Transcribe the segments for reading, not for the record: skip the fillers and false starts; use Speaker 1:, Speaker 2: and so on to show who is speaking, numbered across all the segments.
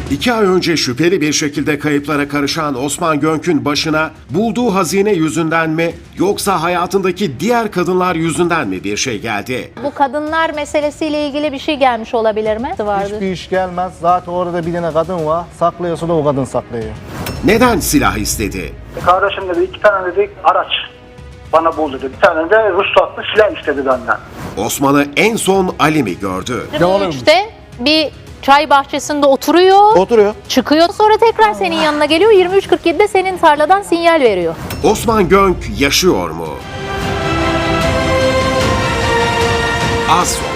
Speaker 1: 2 ay önce şüpheli bir şekilde kayıplara karışan Osman Gönk'ün başına bulduğu hazine yüzünden mi yoksa hayatındaki diğer kadınlar yüzünden mi bir şey geldi?
Speaker 2: Bu kadınlar meselesiyle ilgili bir şey gelmiş olabilir mi? Vardı.
Speaker 3: Hiçbir iş gelmez. Zaten orada bir tane kadın var. Saklıyorsa da o kadın saklıyor.
Speaker 1: Neden silah istedi?
Speaker 4: Kardeşim dedi 2 tane dedi araç bana bul dedi. Bir tane de ruhsatlı silah istedi benden.
Speaker 1: Osman'ı en son Ali mi gördü?
Speaker 2: 23'te bir çay bahçesinde oturuyor. Çıkıyor, sonra tekrar senin yanına geliyor. 23.47'de senin tarladan sinyal veriyor.
Speaker 1: Osman Gönk yaşıyor mu? Az sonra.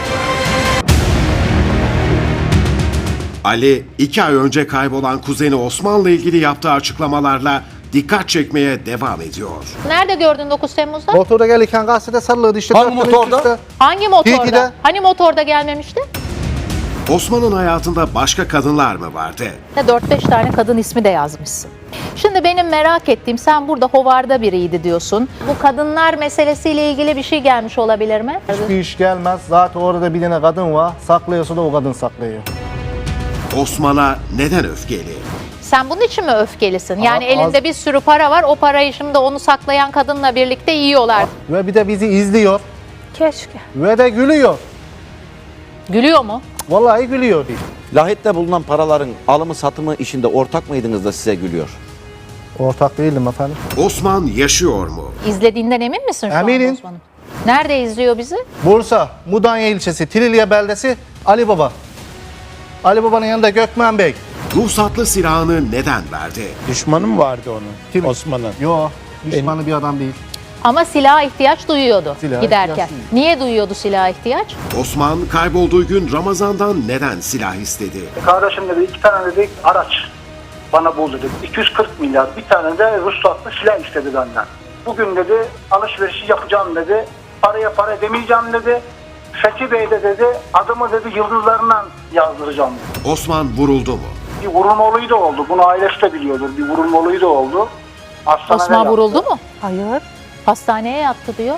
Speaker 1: Ali, 2 ay önce kaybolan kuzeni Osman'la ilgili yaptığı açıklamalarla dikkat çekmeye devam ediyor.
Speaker 2: Nerede gördün 9 Temmuz'da?
Speaker 3: Motora gelirken gazetede sarılıyordu işte.
Speaker 5: Hangi motorda?
Speaker 2: Hangi motorda?
Speaker 3: Tilki'de.
Speaker 2: Hani motorda gelmemişti?
Speaker 1: Osman'ın hayatında başka kadınlar mı vardı?
Speaker 2: 4-5 tane kadın ismi de yazmışsın. Şimdi benim merak ettiğim, sen burada hovarda biriydi diyorsun. Bu kadınlar meselesiyle ilgili bir şey gelmiş olabilir mi?
Speaker 3: Hiçbir iş gelmez. Zaten orada bir tane kadın var. Saklıyorsa da o kadın saklıyor.
Speaker 1: Osman'a neden öfkeli?
Speaker 2: Sen bunun için mi öfkelisin? Yani
Speaker 3: Az-
Speaker 2: elinde bir sürü para var, o parayı şimdi onu saklayan kadınla birlikte yiyorlar.
Speaker 3: Ve bir de bizi izliyor.
Speaker 2: Keşke.
Speaker 3: Ve de gülüyor.
Speaker 2: Gülüyor mu?
Speaker 3: Vallahi gülüyor.
Speaker 5: Lahit'te bulunan paraların alımı satımı işinde ortak mıydınız da size gülüyor?
Speaker 3: Ortak değilim efendim.
Speaker 1: Osman yaşıyor mu?
Speaker 2: İzlediğinden emin misin şu
Speaker 3: Eminim.
Speaker 2: anda Osman'ım? Nerede izliyor bizi?
Speaker 3: Bursa, Mudanya ilçesi, Trilye beldesi, Ali Baba. Ali Baba'nın yanında Gökmen Bey.
Speaker 1: Ruhsatlı silahını neden verdi?
Speaker 6: Düşmanı mı vardı onun?
Speaker 3: Kim?
Speaker 6: Osman'ın.
Speaker 3: Yo, düşmanı bir adam değil.
Speaker 2: Ama silaha ihtiyaç duyuyordu
Speaker 3: Silaha
Speaker 2: giderken.
Speaker 3: ihtiyaç duyuyor.
Speaker 2: Niye duyuyordu silaha ihtiyaç?
Speaker 1: Osman kaybolduğu gün Ramazan'dan neden silah istedi?
Speaker 4: Kardeşim dedi 2 tane dedi araç bana bul dedi. 240 milyar bir tane de ruhsatlı silah istedi benden. Bugün dedi alışverişi yapacağım dedi. Paraya para demeyeceğim dedi. Fethi Bey de dedi adımı dedi yıldızlarından yazdıracağım dedi.
Speaker 1: Osman vuruldu mu?
Speaker 4: Bir vurulma olayı da oldu. Bunu ailesi de biliyordur. Bir vurulma olayı da oldu. Hastanede
Speaker 2: Osman
Speaker 4: yattı.
Speaker 2: vuruldu mu? Hayır. Hastaneye yattı diyor.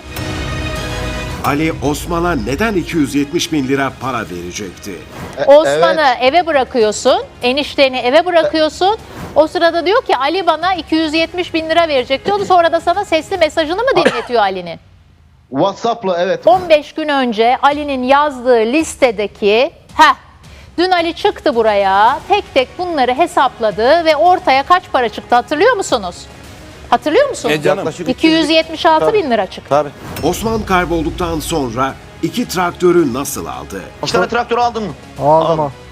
Speaker 1: Ali Osman'a neden 270 bin lira para verecekti?
Speaker 2: Osman'ı eve bırakıyorsun, enişteni eve bırakıyorsun. O sırada diyor ki Ali bana 270 bin lira verecek diyordu. Sonra da sana sesli mesajını mı dinletiyor Ali'nin?
Speaker 7: WhatsApp'la evet.
Speaker 2: 15 gün önce Ali'nin yazdığı listedeki, dün Ali çıktı buraya, tek tek bunları hesapladı ve ortaya kaç para çıktı hatırlıyor musunuz? Hatırlıyor musunuz?
Speaker 5: Canım. Yaklaşık
Speaker 2: 276 bin lira çıktı.
Speaker 5: Tabii.
Speaker 1: Osman kaybolduktan sonra 2 traktörü nasıl aldı?
Speaker 7: 2 tane traktör aldın mı?
Speaker 3: Aldım.